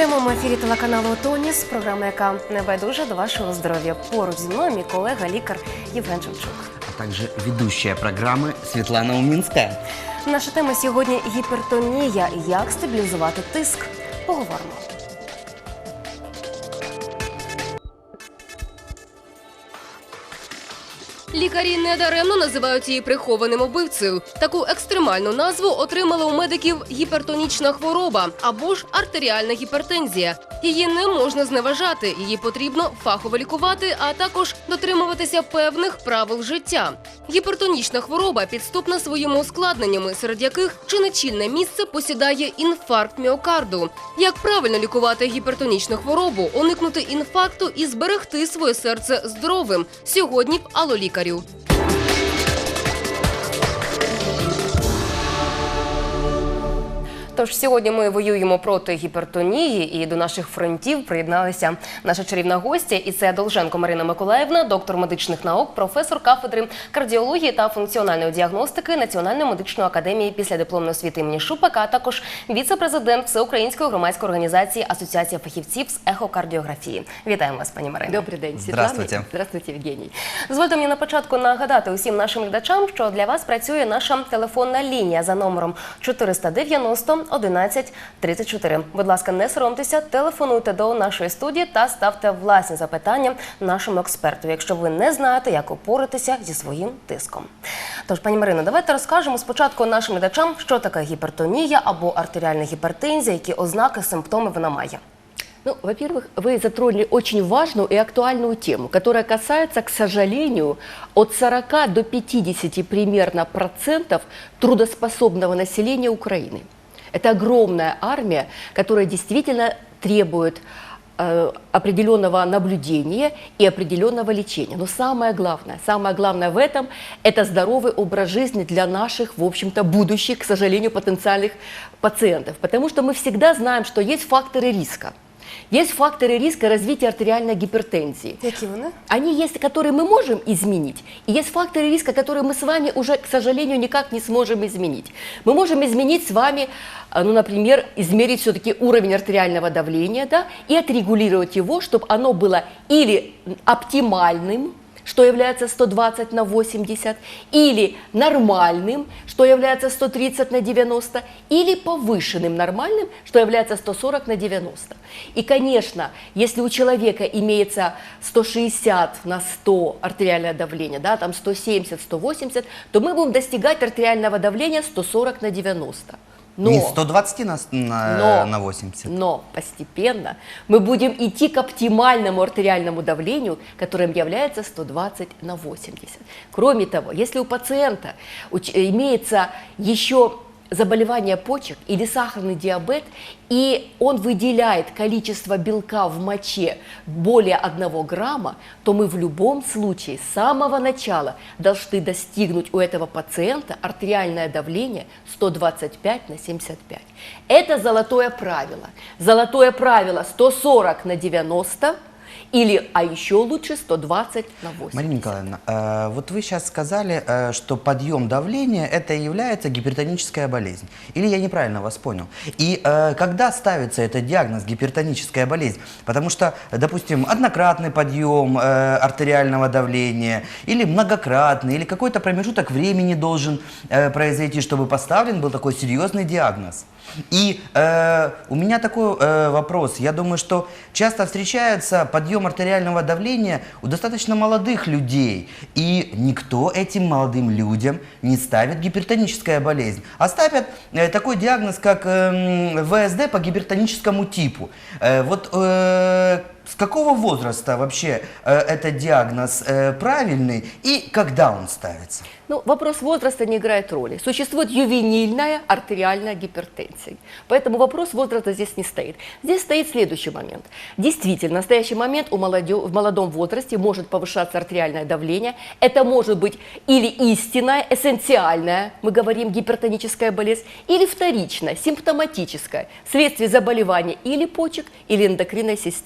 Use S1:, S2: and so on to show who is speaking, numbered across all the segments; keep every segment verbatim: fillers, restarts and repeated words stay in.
S1: В прямому ефірі телеканалу «Тоніс» програма, яка не байдужа до вашого здоров'я. Поруч зі мною мій колега, лікар Євген Шевчук.
S2: А також ведущая програми Світлана Умінська.
S1: Наша тема сьогодні – гіпертонія. Як стабілізувати тиск? Поговоримо. Лікарі недаремно називають її прихованим убивцею. Таку екстремальну назву отримала у медиків гіпертонічна хвороба або ж артеріальна гіпертензія. Її не можна зневажати, її потрібно фахово лікувати, а також дотримуватися певних правил життя. Гіпертонічна хвороба підступна своїми ускладненнями, серед яких чи не чільне місце посідає інфаркт міокарду. Як правильно лікувати гіпертонічну хворобу, уникнути інфаркту і зберегти своє серце здоровим? Сьогодні в Алло лікарю. Тож сьогодні ми воюємо проти гіпертонії, і до наших фронтів приєдналися наша чарівна гостя. І це Долженко Марина Миколаївна, доктор медичних наук, професор кафедри кардіології та функціональної діагностики Національної медичної академії післядипломної освіти імені Шупака, а також віце-президент Всеукраїнської громадської організації Асоціація фахівців з ехокардіографії. Вітаємо вас, пані Марино.
S3: Добрий день, Світлана.
S2: Здравствуйте.
S3: Здравствуйте, Євгеній.
S1: Дозвольте мені на початку нагадати усім нашим глядачам, що для вас працює наша телефонна лінія за номером чотириста дев'яносто одинадцять тридцять чотири. Будь ласка, не соромтеся, телефонуйте до нашої студії та ставте власні запитання нашому експерту, якщо ви не знаєте, як упоратися зі своїм тиском. Тож, пані Марино, давайте розкажемо спочатку нашим глядачам, що таке гіпертонія або артеріальна гіпертензія, які ознаки, симптоми вона має.
S3: Ну, во-первых, вы затронули очень важную и актуальную тему, которая касается, к сожалению, от сорока до пятидесяти примерно процентов трудоспособного населения Украины. Это огромная армия, которая действительно требует э, определенного наблюдения и определенного лечения. Но самое главное, самое главное в этом – это здоровый образ жизни для наших, в общем-то, будущих, к сожалению, потенциальных пациентов. Потому что мы всегда знаем, что есть факторы риска. Есть факторы риска развития артериальной гипертензии.
S1: Какие они?
S3: Они есть, которые мы можем изменить, и есть факторы риска, которые мы с вами уже, к сожалению, никак не сможем изменить. Мы можем изменить с вами, ну, например, измерить все-таки уровень артериального давления, да, и отрегулировать его, чтобы оно было или оптимальным, что является сто двадцать на восемьдесят, или нормальным, что является сто тридцать на девяносто, или повышенным нормальным, что является сто сорок на девяносто. И, конечно, если у человека имеется сто шестьдесят на сто артериальное давление, да, там сто семьдесят, сто восемьдесят, то мы будем достигать артериального давления сто сорок на девяносто. Но,
S2: Не сто двадцать на, на,
S3: но,
S2: на восемьдесят.
S3: Но постепенно мы будем идти к оптимальному артериальному давлению, которым является сто двадцать на восемьдесят. Кроме того, если у пациента имеется еще заболевание почек или сахарный диабет, и он выделяет количество белка в моче более одного грамма, то мы в любом случае с самого начала должны достигнуть у этого пациента артериальное давление сто двадцать пять на семьдесят пять. Это золотое правило. Золотое правило сто сорок на девяносто. Или, а еще лучше, сто двадцать на восемьдесят.
S2: Марина Николаевна, э, вот вы сейчас сказали, э, что подъем давления – это и является гипертоническая болезнь. Или я неправильно вас понял? И э, когда ставится этот диагноз гипертоническая болезнь? Потому что, допустим, однократный подъем э, артериального давления, или многократный, или какой-то промежуток времени должен э, произойти, чтобы поставлен был такой серьезный диагноз. И э, у меня такой э, вопрос. Я думаю, что часто встречается подъем артериального давления у достаточно молодых людей. И никто этим молодым людям не ставит гипертоническая болезнь. А ставят э, такой диагноз, как э, ВСД по гипертоническому типу. Э, вот э, с какого возраста вообще э, этот диагноз э, правильный и когда он ставится?
S3: Ну, вопрос возраста не играет роли. Существует ювенильная артериальная гипертензия. Поэтому вопрос возраста здесь не стоит. Здесь стоит следующий момент. Действительно, в настоящий момент у молодё... в молодом возрасте может повышаться артериальное давление. Это может быть или истинная, эссенциальная, мы говорим, гипертоническая болезнь, или вторичная, симптоматическая, вследствие заболевания или почек, или эндокринной системы.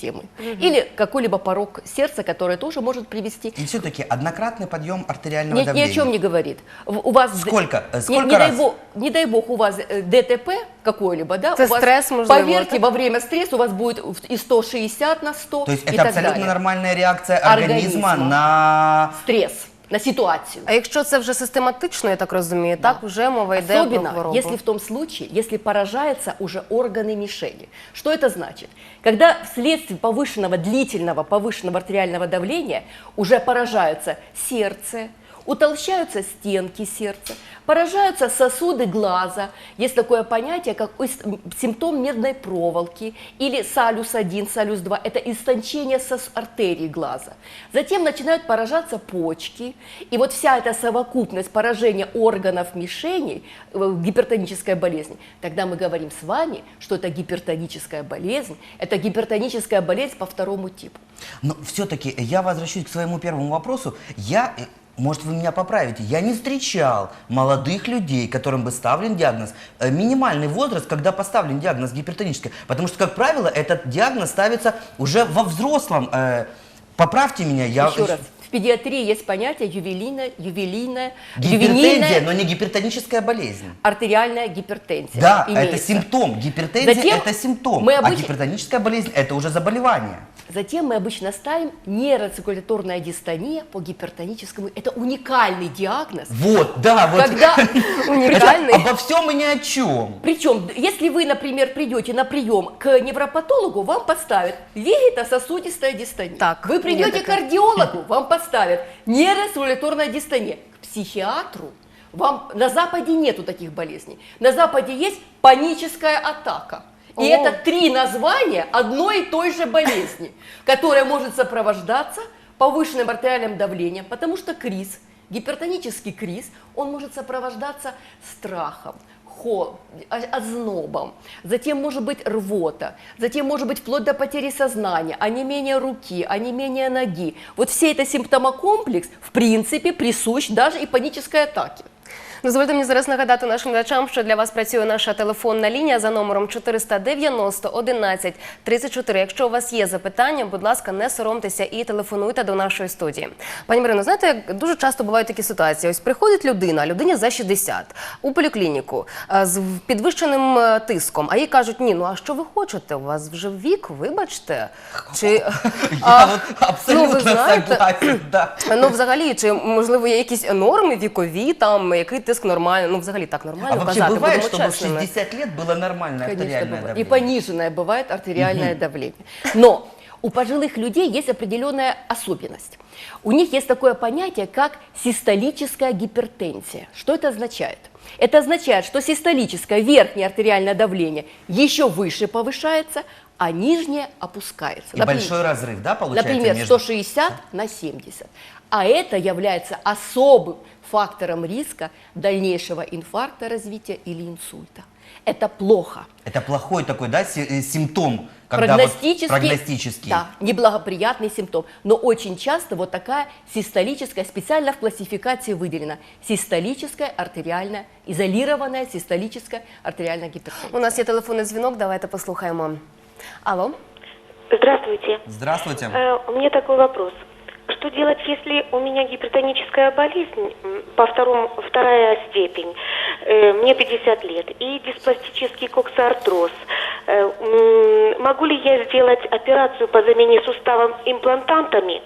S3: или какой-либо порог сердца, который тоже может привести.
S2: И все-таки однократный подъем артериального
S3: Ни, ни
S2: давления.
S3: о чем не говорит. В- У вас
S2: Сколько?
S3: Не,
S2: Сколько
S3: не дай
S2: раз?
S3: бог, не дай бог у вас э, ДТП какое-либо, да?
S1: Это
S3: у вас,
S1: стресс, можливо,
S3: поверьте,
S1: так?
S3: во время стресса у вас будет и сто шестьдесят на сто.
S2: То есть
S3: и
S2: это
S3: так
S2: абсолютно
S3: далее.
S2: нормальная реакция организма,
S3: Организма.
S2: на...
S3: Стресс на ситуацию.
S1: А якщо це вже систематично, я так розумію, так вже мова йде про
S3: Особенно,
S1: хворобу.
S3: если в том случае, если поражаются уже органы мишени. Что это значит? Когда вследствие повышенного, длительного повышенного артериального давления уже поражаются сердце, утолщаются стенки сердца, поражаются сосуды глаза. Есть такое понятие, как ис- симптом медной проволоки или салюс один, салюс два. Это истончение сос- артерий глаза. Затем начинают поражаться почки. И вот вся эта совокупность поражения органов мишени, э, гипертоническая болезнь, тогда мы говорим с вами, что это гипертоническая болезнь, это гипертоническая болезнь по второму типу.
S2: Но все-таки я возвращусь к своему первому вопросу. Я, э, может, вы меня поправите, я не встречал молодых людей, которым бы ставлен диагноз, э, минимальный возраст, когда поставлен диагноз гипертонический. Потому что, как правило, этот диагноз ставится уже во взрослом. Э, поправьте меня, я...
S3: Еще раз, в педиатрии есть понятие ювелийная, ювелийная,
S2: Гипертензия,
S3: ювенильная
S2: но не гипертоническая болезнь.
S3: артериальная гипертензия.
S2: Да, это
S3: имеется.
S2: симптом. Гипертензия
S3: Затем
S2: это симптом,
S3: мы
S2: а
S3: обычно-
S2: гипертоническая болезнь это уже заболевание.
S3: Затем мы обычно ставим нейроциркуляторная дистония по гипертоническому. Это уникальный диагноз.
S2: Вот, да, вот.
S3: Когда
S1: Уникальный.
S2: Это обо всем и ни о чем.
S3: Причем, если вы, например, придете на прием к невропатологу, вам поставят вегетососудистая дистония.
S1: Так,
S3: вы придете
S1: мне
S3: к
S1: так-
S3: кардиологу, вам поставят нейроциркуляторная дистония. К психиатру вам на Западе нету таких болезней. На Западе есть паническая атака. И
S1: О.
S3: это три названия одной и той же болезни, которая может сопровождаться повышенным артериальным давлением, потому что криз, гипертонический криз, он может сопровождаться страхом, холодом, ознобом, затем может быть рвота, затем может быть вплоть до потери сознания, онемение руки, онемение ноги. Вот все это симптомокомплекс, в принципе, присущ даже и панической атаке.
S1: Дозвольте мені зараз нагадати нашим глядачам, що для вас працює наша телефонна лінія за номером чотириста дев'яносто одинадцять тридцять чотири. Якщо у вас є запитання, будь ласка, не соромтеся і телефонуйте до нашої студії. Пані Марино, знаєте, як дуже часто бувають такі ситуації. Ось приходить людина, людині за шістдесят, у поліклініку е, з підвищеним е, тиском, а їй кажуть, ні, ну а що ви хочете, у вас вже вік, вибачте. Чи,
S2: Я
S1: а,
S2: вот абсолютно
S1: ну, ви знаєте,
S2: согласен, да.
S1: Ну, взагалі, чи, можливо, є якісь норми вікові, там, який тиск нормальний, ну, взагалі так нормально
S2: А вообще
S1: казати,
S2: бывает,
S1: будемо
S2: чтобы в
S1: чесними.
S2: шестьдесят лет было нормальное
S3: Конечно,
S2: артериальное
S3: бывает.
S2: давление?
S3: И пониженное бывает артериальное давление. Но у пожилых людей есть определенная особенность. У них есть такое понятие, как систолическая гипертензия. Что это означает? Это означает, что систолическое верхнее артериальное давление еще выше повышается, а нижнее опускается.
S2: И
S3: Например,
S2: большой разрыв, да, получается?
S3: Например,
S2: между-
S3: сто шестьдесят на семьдесят. А это является особым фактором риска дальнейшего инфаркта развития или инсульта. Это плохо.
S2: Это плохой такой, да, си- э, симптом, когда вот
S3: Прогностический,
S2: прогностический.
S3: да, неблагоприятный симптом. Но очень часто вот такая систолическая, специально в классификации выделена, систолическая артериальная, изолированная систолическая артериальная гипертензия.
S1: У нас є телефонний дзвінок, давайте послухаємо. Алло?
S4: Здравствуйте.
S2: Здравствуйте.
S4: Э, У меня такой вопрос. Что делать, если у меня гипертоническая болезнь м, по второму, вторая степень, э, мне пятьдесят лет, и диспластический коксартроз? Э, м, Могу ли я сделать операцию по замене суставом имплантантами?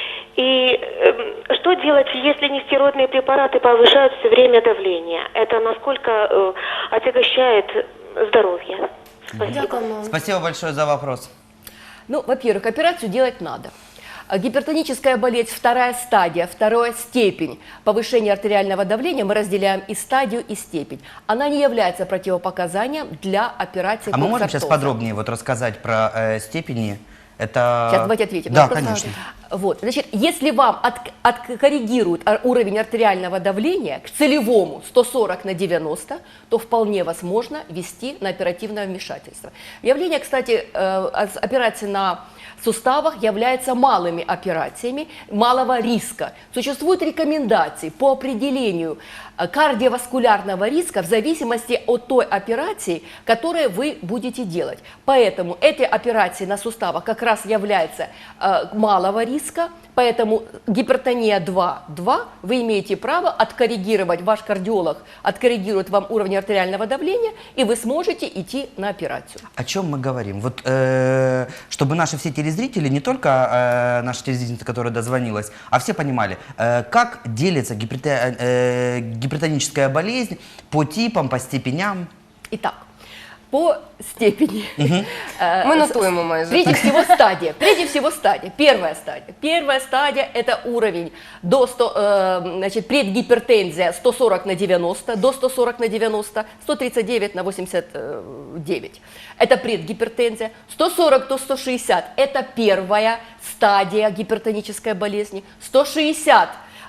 S4: И э, что делать, если нестероидные препараты повышают все время давление? Это насколько э, отягощает здоровье? Спасибо.
S1: Дякуємо.
S2: Спасибо большое за вопрос.
S3: Ну, во-первых, операцию делать надо. А Гипертоническая болезнь, вторая стадия, вторая степень повышения артериального давления, мы разделяем и стадию, и степень. Она не является противопоказанием для операции
S2: А мы можем сейчас
S3: коксартоза.
S2: подробнее вот рассказать про э, степени? Это...
S3: Сейчас давайте ответим.
S2: Да,
S3: Просто
S2: конечно.
S3: Вот, значит, если вам от- откоррегируют ар- уровень артериального давления к целевому сто сорок на девяносто, то вполне возможно ввести на оперативное вмешательство. Явление, кстати, э, ос- операции на суставах являются малыми операциями малого риска. Существуют рекомендации по определению э, кардиоваскулярного риска в зависимости от той операции, которую вы будете делать. Поэтому эти операции на суставах как раз являются э, малого риска, поэтому гипертония два-два вы имеете право откоррегировать, ваш кардиолог откоррегирует вам уровень артериального давления, и вы сможете идти на операцию.
S2: О чем мы говорим? Вот, э, чтобы наши все телезрители, не только э, наша телезрительница, которая дозвонилась, а все понимали, э, как делится гиперте- э, гипертоническая болезнь по типам, по степеням.
S3: Итак, по степени. Э,
S1: Ми
S3: с-
S1: нотуємо майже.
S3: Прежде всего стадия. Прежде всего стадия. Первая стадия. Первая стадия – это уровень до сто, э, значит, предгипертензия сто сорок на девяносто, до сто сорок на девяносто, сто тридцать девять на восемьдесят девять. Это предгипертензия. сто сорок до сто шестьдесят – это первая стадия гипертонической болезни. сто шестьдесят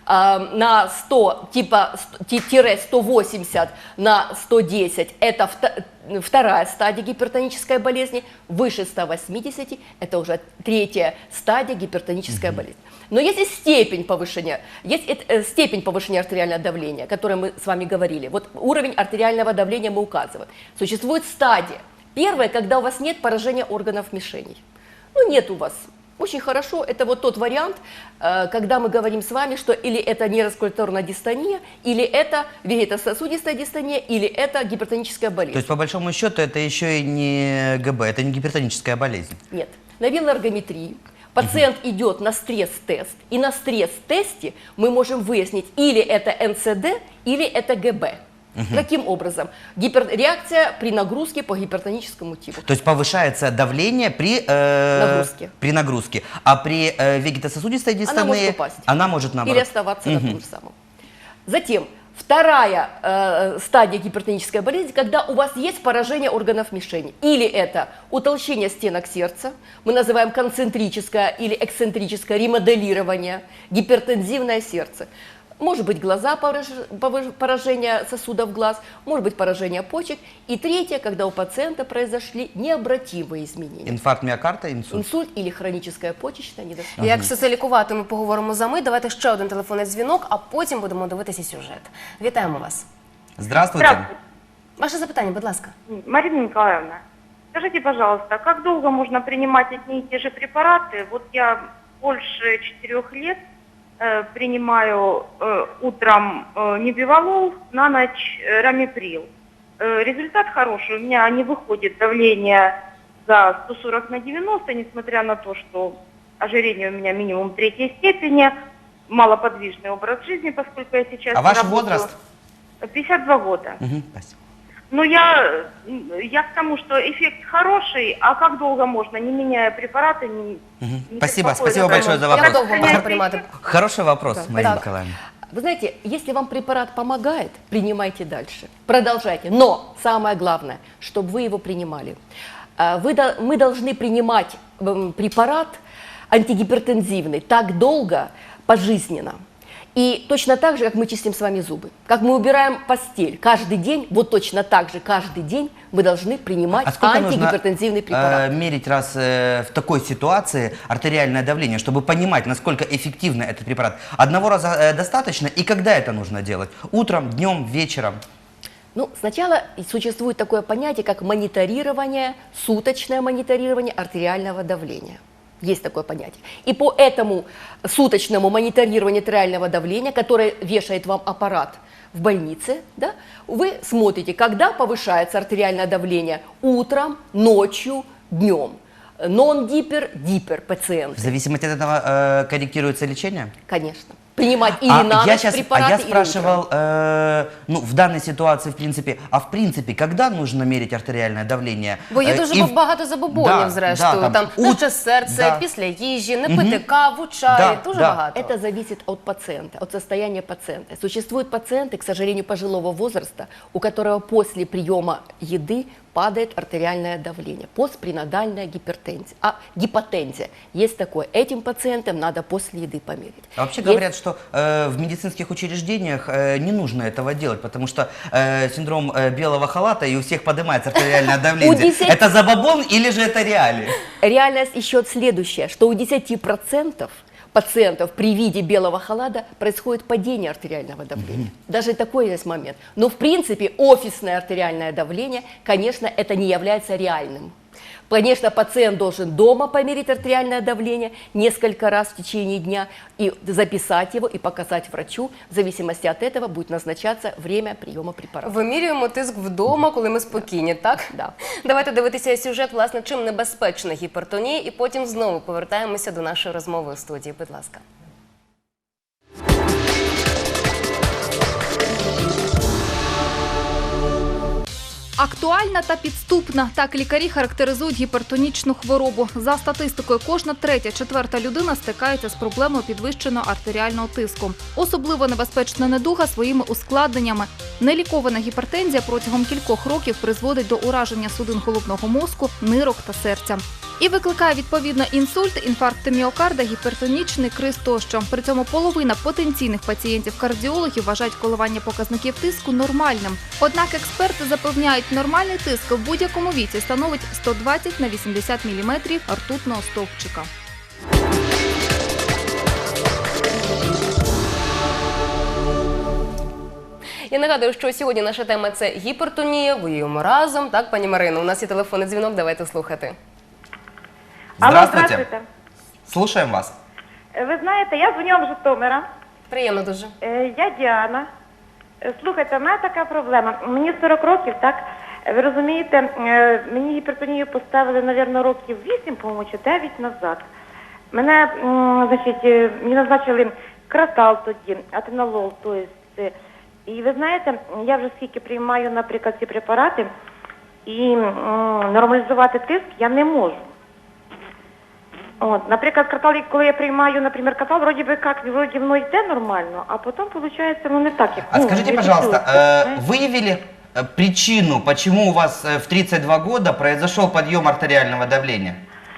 S3: на сто, типа тире сто восемьдесят на сто десять – это вто- вторая стадия гипертонической болезни. Выше ста восьмидесяти – это уже третья стадия гипертонической болезни. Но есть и степень повышения, есть и, э, степень повышения артериального давления, о которой мы с вами говорили. Вот уровень артериального давления мы указываем. Существует стадия. Первая, когда у вас нет поражения органов мишеней. Ну, нет у вас. Очень хорошо, это вот тот вариант, э, когда мы говорим с вами, что или это нейроскулаторная дистония, или это вегетососудистая дистония, или это гипертоническая болезнь.
S2: То есть, по большому счету, это еще и не ГБ, это не гипертоническая болезнь.
S3: Нет. На вилоэргометрии пациент идет на стресс-тест, и на стресс-тесте мы можем выяснить, или это эн цэ дэ, или это гэ бэ. Каким образом? Гипер... Реакция при нагрузке по гипертоническому типу.
S2: То есть повышается давление при, э,
S3: Нагрузке.
S2: при нагрузке, а при э, вегетососудистой дистонии
S3: Она может упасть.
S2: она может наоборот.
S3: Или оставаться на том же самом. Затем, вторая э, стадия гипертонической болезни, когда у вас есть поражение органов мишени. Или это утолщение стенок сердца, мы называем концентрическое или эксцентрическое ремоделирование, гипертензивное сердце. Может быть глаза, пораж- повыш- поражение сосудов глаз, может быть поражение почек. И третье, когда у пациента произошли необратимые изменения.
S2: Інфаркт міокарда, інсульт.
S3: Інсульт или хроническая почечная недостаточность.
S1: Як все це лікувати, ми поговоримо за мить. Давайте ще один телефонний дзвінок, а потім будемо дивитися сюжет. Вітаємо вас.
S2: Здравствуйте.
S5: Здравствуйте,
S1: Ваше запитання, будь ласка.
S5: Марина Николаевна. Скажите, пожалуйста, как долго можно принимать одни и те же препараты? Вот я больше четырех лет э, принимаю э, утром э, небивалол, на ночь э, рамиприл. Э, результат хороший, у меня не выходит давление за сто сорок на девяносто, несмотря на то, что ожирение у меня минимум третьей степени, малоподвижный образ жизни, поскольку я сейчас...
S2: А ваш
S5: работаю.
S2: возраст?
S5: пятьдесят два года.
S2: Мгм, спасибо.
S5: Ну, я, я к тому, что эффект хороший, а как долго можно, не меняя препараты, не,
S2: Мгм.
S5: не
S2: Спасибо,
S5: беспокоиться
S2: спасибо
S5: про
S2: большое
S5: мой-
S2: за
S1: Як
S2: вопрос.
S1: довго можна приймати?
S2: Хороший вопрос,
S3: Да.
S2: Марина
S3: Так.
S2: Николаевна.
S3: Вы знаете, если вам препарат помогает, принимайте дальше, продолжайте. Но самое главное, чтобы вы его принимали. А, Вы, до- мы должны принимать м, препарат антигипертензивный так долго, пожизненно. И точно так же, как мы чистим с вами зубы, как мы убираем постель каждый день, вот точно так же каждый день вы должны принимать
S2: А сколько нужно
S3: антигипертензивный препарат.
S2: э, мерить раз э, в такой ситуации артериальное давление, чтобы понимать, насколько эффективно этот препарат? Одного раза э, достаточно, и когда это нужно делать? Утром, днем, вечером?
S3: Ну, сначала существует такое понятие, как мониторирование, суточное мониторирование артериального давления. Есть такое понятие. И по этому суточному мониторированию артериального давления, которое вешает вам аппарат в больнице, да, вы смотрите, когда повышается артериальное давление утром, ночью, днем. Нон-дипер, дипер пациент.
S2: В зависимости от этого э, корректируется лечение?
S3: Конечно. Принимать или
S2: А
S3: на
S2: я,
S3: ночь
S2: щас-
S3: препараты,
S2: а я
S3: или
S2: спрашивал,
S3: утром.
S2: э, ну, в данной ситуации, в принципе, а в принципе, когда нужно мерить артериальное давление?
S1: Бо є
S2: Э,
S1: дуже
S2: и в-
S1: багато забобонів,
S2: Да,
S1: зрештою.
S2: да,
S1: там
S2: ут-
S1: наше серце,
S2: да.
S1: після їжі, не пити каву, чай,
S2: Да,
S1: дуже
S2: да.
S1: багато.
S3: Это зависит от пациента, от состояния пациента. Существуют пациенты, к сожалению, пожилого возраста, у которого после приема еды падает артериальное давление, постпренатальная гипертензия, а гипотензия. Есть такое. Этим пациентам надо после еды померить.
S2: А вообще
S3: Есть-
S2: говорят, что э, в медицинских учреждениях э, не нужно этого делать, потому что э, синдром э, белого халата, и у всех поднимается артериальное давление.
S3: десяти-
S2: Это забабон или же это реалии?
S3: Реальность еще следующая, что у десяти процентов пациентов при виде белого халата происходит падение артериального давления. Даже такой есть момент. Но в принципе офисное артериальное давление, конечно, это не является реальным. Конечно, пациент должен дома померить артериальное давление несколько раз в течение дня и записать его и показать врачу. В зависимости от этого будет назначаться время приема препаратов.
S1: Вимірюємо тиск вдома, коли ми спокійні, так?
S3: Да.
S1: Давайте дивитися сюжет, власне, чим небезпечна гіпертонія, і потім знову повертаємося до нашої розмови у студії. Будь ласка.
S6: Актуальна та підступна – так лікарі характеризують гіпертонічну хворобу. За статистикою, кожна третя-четверта людина стикається з проблемою підвищеного артеріального тиску. Особливо небезпечна недуга своїми ускладненнями. Нелікована гіпертензія протягом кількох років призводить до ураження судин головного мозку, нирок та серця. І викликає відповідно інсульт, інфаркт міокарда, гіпертонічний криз тощо. При цьому половина потенційних пацієнтів-кардіологів вважають коливання показників тиску нормальним. Однак експерти запевняють, нормальний тиск в будь-якому віці становить сто двадцять на вісімдесят міліметрів ртутного стовпчика.
S1: Я нагадую, що сьогодні наша тема – це гіпертонія, воюємо разом. Так, пані Марино, у нас є телефонний дзвінок, давайте слухати.
S5: Алло,
S2: Здравствуйте.
S5: здравствуйте.
S2: Слушаем вас.
S5: Е, Ви знаєте, я дзвоню вам з Житомира.
S1: Приємно дуже.
S5: Е, Я Діана. Е, Слухайте, в мене така проблема. Мені сорок років, так? Е, Ви розумієте, е, мені гіпертонію поставили, мабуть, років вісім, по-моєму, чи дев'ять назад. Мене, м, значить, е, мені назначили кратал тоді, атенолол, то есть, е, і ви знаєте, я вже скільки приймаю, наприклад, ці препарати, і м, нормалізувати тиск я не можу. От, наприклад, катал, коли я приймаю, наприклад, катал, вроді би як, вроді воно йде нормально, а потім, виходить, ну не так, як...
S2: А
S5: ну,
S2: скажите,
S5: не
S2: пожалуйста,
S5: чувствую,
S2: э,
S5: знаєте.
S2: выявили э, причину, почему у вас э, в тридцать два года произошел подъем артериального давления?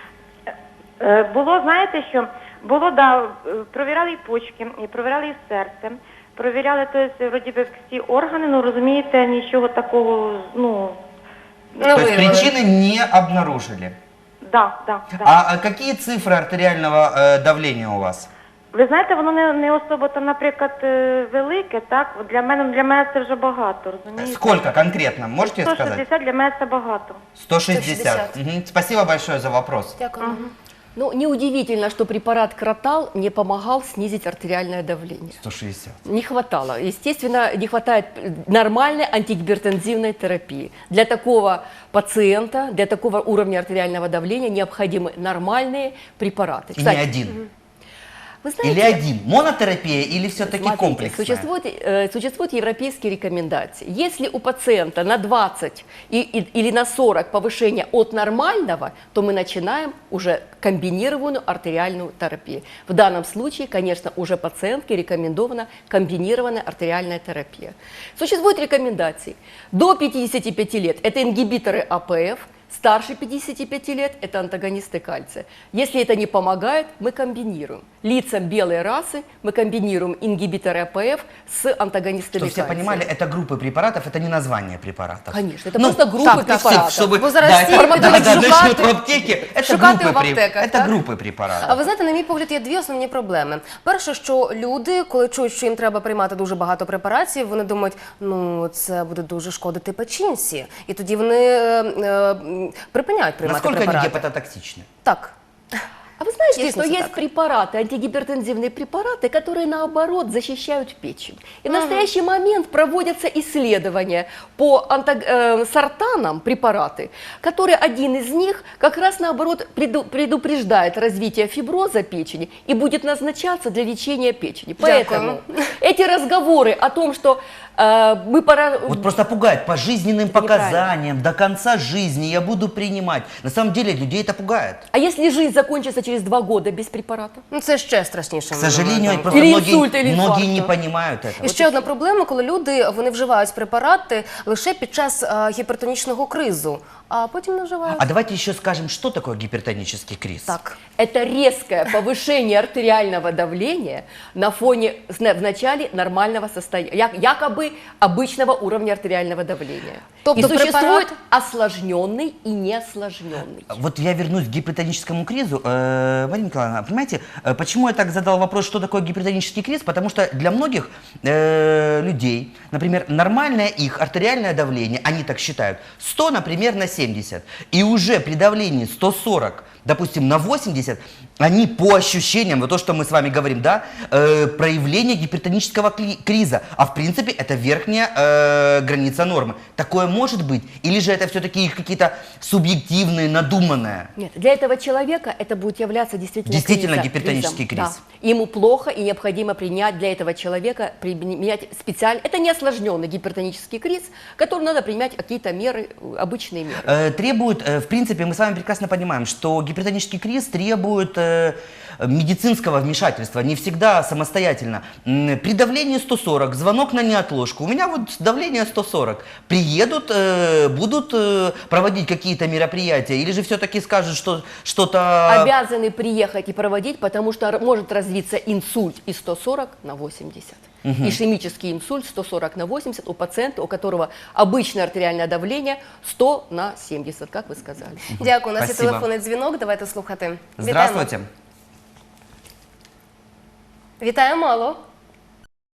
S5: Е, Було, знаєте, що було, да, е, провіряли і почки, і провіряли і серце, провіряли, то есть, вроді би, всі органи, ну, розумієте, нічого такого, ну,
S1: Ну,
S2: То есть
S1: выявили.
S2: причины не обнаружили.
S5: да, да, да.
S2: А, а какие цифры артериального э, давления у вас?
S5: Ви знаєте, воно не, не особо, то, наприклад, е, велике, так, от для мене, для мене це вже багато, розумієте?
S2: Сколько конкретно, можете
S5: сто
S2: сказать?
S5: шістдесят для мене це багато.
S2: сто шестьдесят.
S1: сто шестьдесят.
S2: Мгм. Спасибо большое за вопрос.
S1: Дякую.
S3: Ну, неудивительно, что препарат Кратал не помогал снизить артериальное давление.
S2: сто шестьдесят.
S3: Не хватало. Естественно, не хватает нормальной антигипертензивной терапии. Для такого пациента, для такого уровня артериального давления необходимы нормальные препараты.
S2: И не один.
S3: вы знаете,
S2: Или один. Монотерапия или все-таки
S3: смотрите,
S2: комплексная?
S3: Существуют, э, существуют европейские рекомендации. Если у пациента на двадцать и, и- или на сорок повышение от нормального, то мы начинаем уже комбинированную артериальную терапию. В данном случае, конечно, уже пациентке рекомендована комбинированная артериальная терапия. Существуют рекомендации. До пятидесяти пяти лет это ингибиторы АПФ, старше пятидесяти пяти лет – это антагонисты кальция. Если это не помогает, мы комбинируем. Лицам белой расы мы комбинируем ингибиторы АПФ с антагонистами
S2: Чтобы все
S3: кальция.
S2: понимали, это группы препаратов, это не название препаратов.
S3: Конечно, это просто группы
S2: так, так,
S3: препаратов.
S2: Чтобы,
S1: Бо зараз
S2: да,
S1: всі
S2: это-
S1: будуть
S2: да, да,
S1: шукати-
S2: начнут в аптеке. Это
S1: шукати
S2: группы,
S1: в аптеках,
S2: это
S1: так?
S2: группы препаратов.
S1: А ви знаєте, на мій погляд, є дві основні проблеми. Перше, що люди, коли чують, що їм треба приймати дуже багато препаратів, вони думають, ну це буде дуже шкодити печінці. І тоді вони е, е, припиняють приймати
S2: Насколько они
S1: препарати.
S2: гепатотоксичны?
S1: Так.
S3: А вы знаете,
S1: Действительно
S3: что есть
S1: так.
S3: препараты, антигипертензивные препараты, которые наоборот защищают печень. И в настоящий момент проводятся исследования по антаг- э, сортанам препараты, которые один из них как раз наоборот преду- предупреждает развитие фиброза печени и будет назначаться для лечения печени. Поэтому эти разговоры о том, что э, мы пора...
S2: Вот просто пугает по жизненным
S3: Это неправильно.
S2: показаниям, до конца жизни я буду принимать. На самом деле людей это пугает.
S3: А если жизнь закончится через через два года без препарата.
S1: Ну, це ще страшніше.
S2: К сожалению,
S1: момент.
S2: просто
S3: Или
S2: многие,
S3: инсульт, или
S2: многие
S3: инфаркт,
S2: не
S3: да.
S2: понимают
S1: І
S2: этого.
S1: ще одна проблема, коли люди вони вживають препарати лише під час а, гіпертонічного кризу, а потім не вживають.
S2: А давайте еще скажем, что такое гипертонический криз.
S1: Так.
S3: Это резкое повышение артериального давления на фоне зна- в начале нормального состояния, якобы обычного уровня артериального давления.
S1: Тобто
S3: И существует
S1: препарат-
S3: осложненный и неосложненный.
S2: Вот я вернусь к гипертоническому кризу. Э, Марина Николаевна, понимаете, э, почему я так задал вопрос, что такое гипертонический криз? Потому что для многих э, людей, например, нормальное их артериальное давление, они так считают, сто, например, на семьдесят. И уже при давлении сто сорок, допустим, на восемьдесят, они по ощущениям, вот то, что мы с вами говорим, да, э, проявление гипертонического кли- криза. А в принципе это верхняя э, граница нормы. Такое может быть? Или же это все-таки их какие-то субъективные, надуманные?
S3: Нет, для этого человека это будет являться действительно,
S2: Действительно
S3: криза-
S2: гипертонический
S3: кризом.
S2: криз.
S3: Да. Ему плохо, и необходимо принять для этого человека, применять специально. Это не осложненный гипертонический криз, который надо принимать какие-то меры, э, обычные меры.
S2: Э, требует, э, в принципе, мы с вами прекрасно понимаем, что гипертонический криз требует э, медицинского вмешательства, не всегда самостоятельно. М, При давлении сто сорок, звонок на неотложку, у меня вот давление сто сорок, приедут, э, будут э, проводить какие-то мероприятия, или же все-таки скажут, что что-то...
S3: Обязаны приехать и проводить, потому что р- может развиться инсульт из сто сорок на восемьдесят. Ишемический инсульт сто сорок на восемьдесят у пациента, у которого обычное артериальное давление сто на семьдесят, как вы сказали.
S1: Дякую. У нас є
S2: Спасибо.
S1: телефонний дзвінок. Давайте слухати.
S2: Здравствуйте.
S1: Вітаємо. Вітаємо, алло.